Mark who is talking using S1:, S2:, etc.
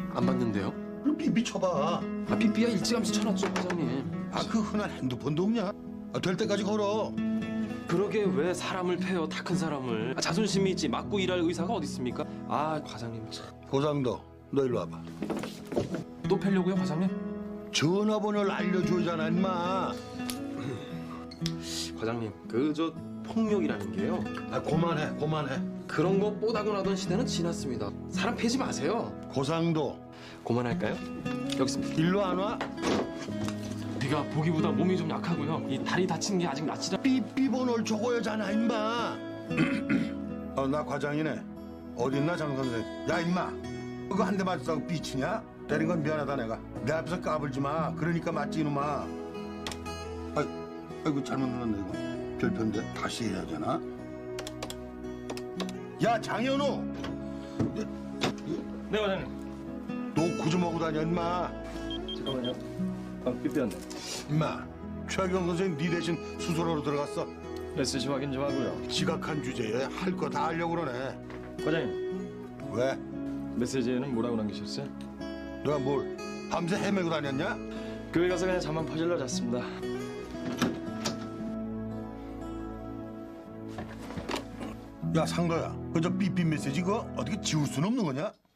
S1: 안 받는데요?
S2: 그럼 삐삐 쳐봐.
S1: 아, 삐삐야 일찌감치 쳐놨죠, 과장님.
S2: 아, 그 흔한 핸드폰도 없냐? 아, 될 때까지 걸어.
S1: 그러게 왜 사람을 패요, 다 큰 사람을. 아, 자존심이 있지 맞고 일할 의사가 어디 있습니까? 아, 과장님 참.
S2: 고상도, 너 일로 와봐.
S1: 또 패려고요, 과장님?
S2: 전화번호를 알려줘야잖아, 임마.
S1: 과장님, 그 저 폭력이라는 게요.
S2: 아, 그만해.
S1: 그런 거 뽀다고 나던 시대는 지났습니다. 사람 패지 마세요.
S2: 고상도,
S1: 그만할까요? 여기 있습니다.
S2: 일로 안 와?
S1: 내가 보기보다 몸이 좀 약하고요. 이 다리 다친 게 아직 낫지 않...
S2: 삐삐 번호를 적어야잖아, 임마. 나 과장이네. 어딨나, 장 선생. 야, 임마. 그거 한 대 맞았다고 삐치냐? 때린 건 미안하다, 내가. 내 앞에서 까불지 마. 그러니까 맞지, 이놈아. 아이고, 잘못 눌렀네, 이거. 별편데 다시 해야 되나? 야, 장현우!
S3: 네, 과장님.
S2: 너 구좀 하고 다녀, 임마.
S3: 잠깐만요. 삐삐였네.
S2: 임마, 최경 선생님 네 대신 수술하러 들어갔어.
S3: 메시지 확인 좀 하고요.
S2: 지각한 주제에 할 거 다 하려고 그러네.
S3: 과장님,
S2: 왜?
S3: 메시지에는 뭐라고 남기셨어요?
S2: 너가 뭘 밤새 헤매고 다녔냐?
S3: 교회 가서 그냥 잠만 퍼질러 잤습니다.
S2: 야, 상도야, 그저 삐삐 메시지 그거 어떻게 지울 수는 없는 거냐?